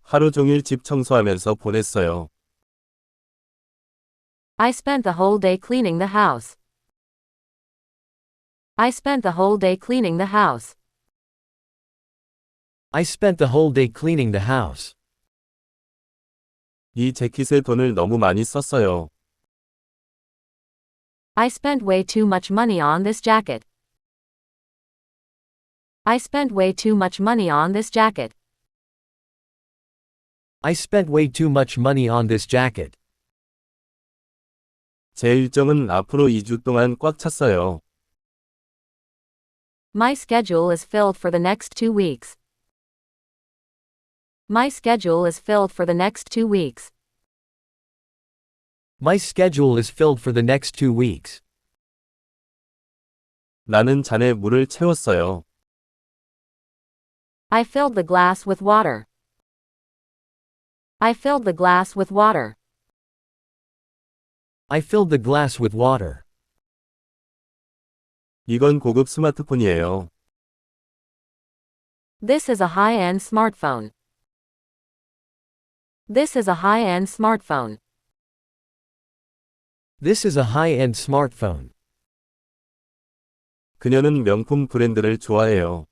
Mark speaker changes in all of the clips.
Speaker 1: 하루 종일 집 청소하면서 보냈어요.
Speaker 2: I spent the whole day cleaning the house. I spent the whole day cleaning the house.
Speaker 3: I spent the whole day cleaning the house.
Speaker 1: 이 재킷에 돈을 너무 많이 썼어요.
Speaker 2: I spent way too much money on this jacket. I spent way too much money on this jacket.
Speaker 3: I spent way too much money on this jacket.
Speaker 1: 제 일정은 앞으로 2주 동안 꽉 찼어요.
Speaker 2: My schedule is filled for the next 2 weeks. My schedule is filled for the next 2 weeks.
Speaker 3: My schedule is filled for the next 2 weeks.
Speaker 1: 나는 잔에 물을 채웠어요.
Speaker 2: I filled the glass with water. I filled the glass with water.
Speaker 3: I filled the glass with water.
Speaker 1: 이건 고급 스마트폰이에요.
Speaker 2: This is a high-end smartphone. This is a high-end smartphone.
Speaker 3: This is a high-end smartphone.
Speaker 1: 그녀는 명품 브랜드를 좋아해요.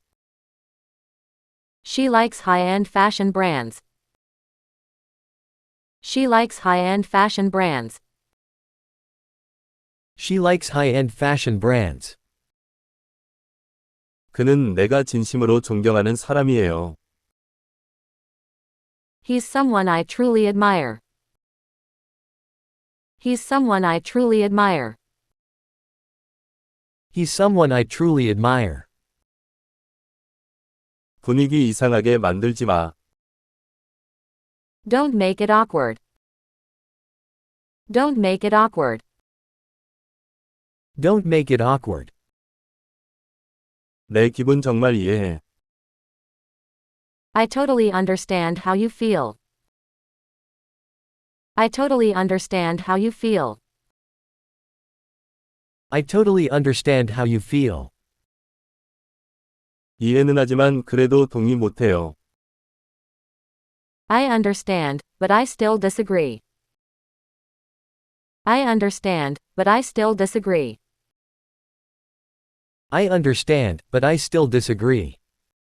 Speaker 2: She likes high-end fashion brands. She likes high-end fashion brands.
Speaker 3: She likes high-end fashion brands.
Speaker 1: 그는 내가 진심으로 존경하는 사람이에요.
Speaker 2: He's someone I truly admire. He's someone I truly admire.
Speaker 3: He's someone I truly admire.
Speaker 1: 분위기 이상하게 만들지 마.
Speaker 2: Don't make it awkward. Don't make it awkward.
Speaker 3: Don't make it awkward.
Speaker 1: 내 기분 정말 이해해.
Speaker 2: I totally understand how you feel. I totally understand how you feel.
Speaker 3: I totally understand how you feel.
Speaker 1: 이해는 하지만 그래도 동의 못해요.
Speaker 2: I understand, but I still disagree. I understand, but I still disagree.
Speaker 3: I understand, but I still disagree.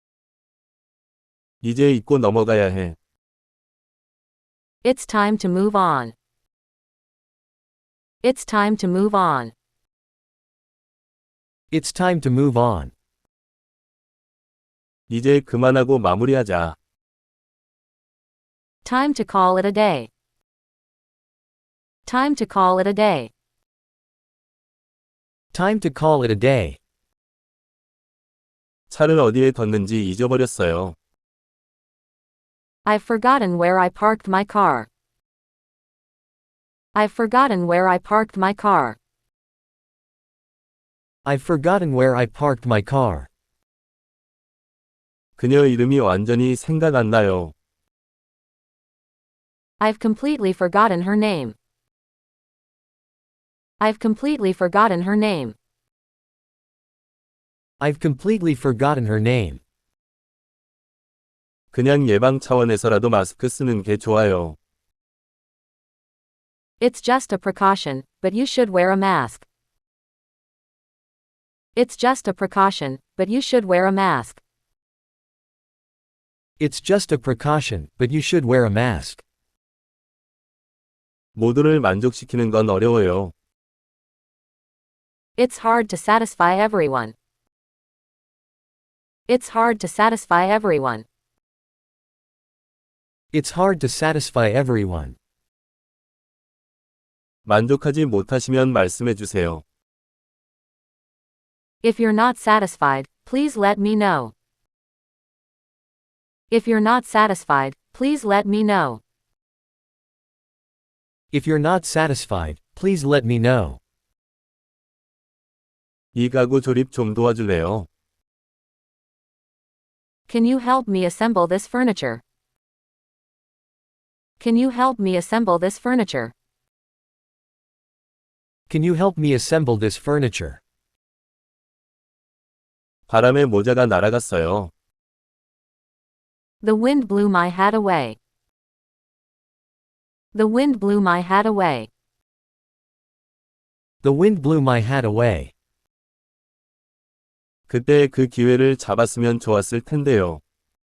Speaker 1: 이제 잊고 넘어가야 해.
Speaker 2: It's time to move on. It's time to move on.
Speaker 3: It's time to move on.
Speaker 1: 이제 그만하고 마무리하자.
Speaker 2: Time to call it a day. Time to call it a day.
Speaker 3: Time to call it a day.
Speaker 1: 차를 어디에 뒀는지 잊어버렸어요.
Speaker 2: I've forgotten where I parked my car. I've forgotten where I parked my car.
Speaker 3: I've forgotten where I parked my car.
Speaker 1: 그녀 이름이 완전히 생각 안 나요.
Speaker 2: I've completely forgotten her name. I've completely forgotten her name.
Speaker 3: I've completely forgotten her name.
Speaker 1: 그냥 예방 차원에서라도 마스크 쓰는 게 좋아요.
Speaker 2: It's just a precaution, but you should wear a mask. It's just a precaution, but you should wear a mask.
Speaker 3: It's just a precaution, but you should wear a mask.
Speaker 1: 모두를 만족시키는 건 어려워요.
Speaker 2: It's hard to satisfy everyone. It's hard to satisfy everyone.
Speaker 3: It's hard to satisfy everyone.
Speaker 1: 만족하지 못하시면 말씀해 주세요.
Speaker 2: If you're not satisfied, please let me know. If you're not satisfied, please let me know.
Speaker 3: If you're not satisfied, please let me know.
Speaker 1: 이 가구 조립 좀 도와줄래요?
Speaker 2: Can you help me assemble this furniture? Can you help me assemble this furniture?
Speaker 3: Can you help me assemble this furniture?
Speaker 1: 바람에 모자가 날아갔어요.
Speaker 2: The wind blew my hat away. The wind blew my hat away.
Speaker 3: The wind blew my hat away.
Speaker 1: 그때 그 기회를 잡았으면 좋았을 텐데요.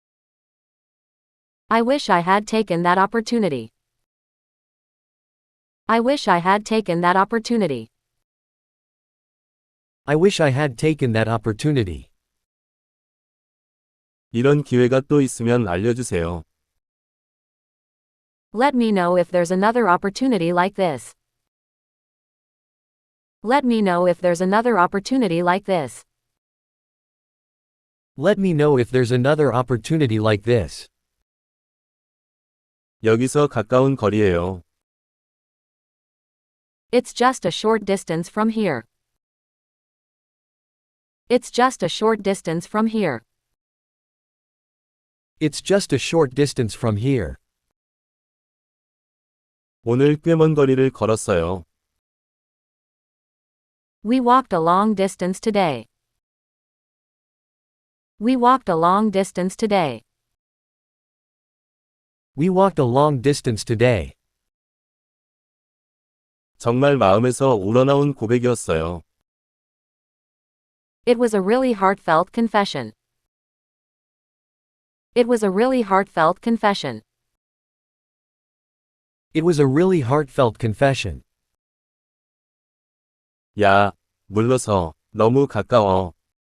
Speaker 2: I wish I had taken that opportunity. I wish I had taken that opportunity.
Speaker 3: I wish I had taken that opportunity.
Speaker 1: 이런 기회가 또 있으면 알려주세요.
Speaker 2: Let me know if there's another opportunity like this. Let me know if there's another opportunity like this.
Speaker 3: Let me know if there's another opportunity like this.
Speaker 1: 여기서 가까운 거리예요.
Speaker 2: It's just a short distance from here. It's just a short distance from here.
Speaker 3: It's just a short distance from here.
Speaker 1: 오늘 꽤 먼 거리를 걸었어요.
Speaker 2: We walked a long distance today. We walked a long distance today.
Speaker 3: We walked a long distance today.
Speaker 1: 정말 마음에서 우러나온 고백이었어요.
Speaker 2: It was a really heartfelt confession. It was a really heartfelt confession.
Speaker 3: It was a really heartfelt confession.
Speaker 1: 야, 물러서. 너무 가까워.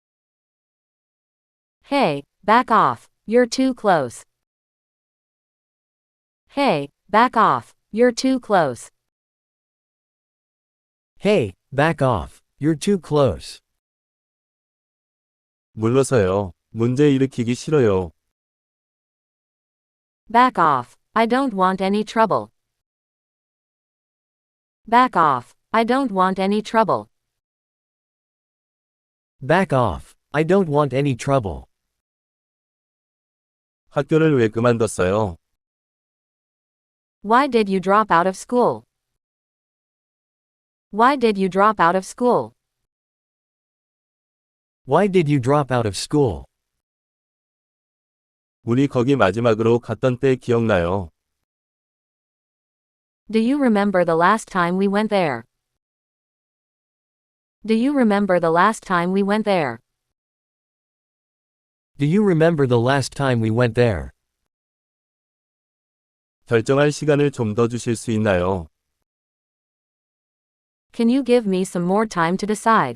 Speaker 2: Hey, back off. You're too close. Hey, back off. You're too close.
Speaker 3: Hey, back off. You're too close.
Speaker 1: 물러서요. 문제 일으키기 싫어요.
Speaker 2: Back off. I don't want any trouble. Back off. I don't want any trouble.
Speaker 3: Back off. I don't want any trouble.
Speaker 1: 학교를 왜 그만뒀어요?
Speaker 2: Why did you drop out of school? Why did you drop out of school?
Speaker 3: Why did you drop out of school?
Speaker 1: 우리 거기 마지막으로 갔던 때 기억나요?
Speaker 2: Do you remember the last time we went there? Do you remember the last time we went there?
Speaker 3: Do you remember the last time we went there?
Speaker 1: 결정할 시간을 좀 더 주실 수 있나요?
Speaker 2: Can you give me some more time to decide?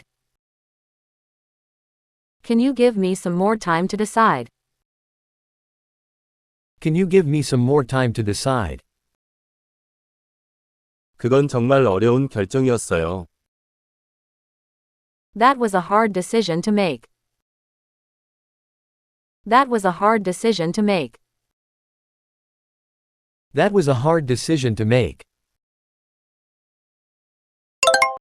Speaker 2: Can you give me some more time to decide?
Speaker 3: Can you give me some more time to decide?
Speaker 1: 그건 정말 어려운 결정이었어요.
Speaker 2: That was a hard decision to make. That was a hard decision to make.
Speaker 3: That was a hard decision to make.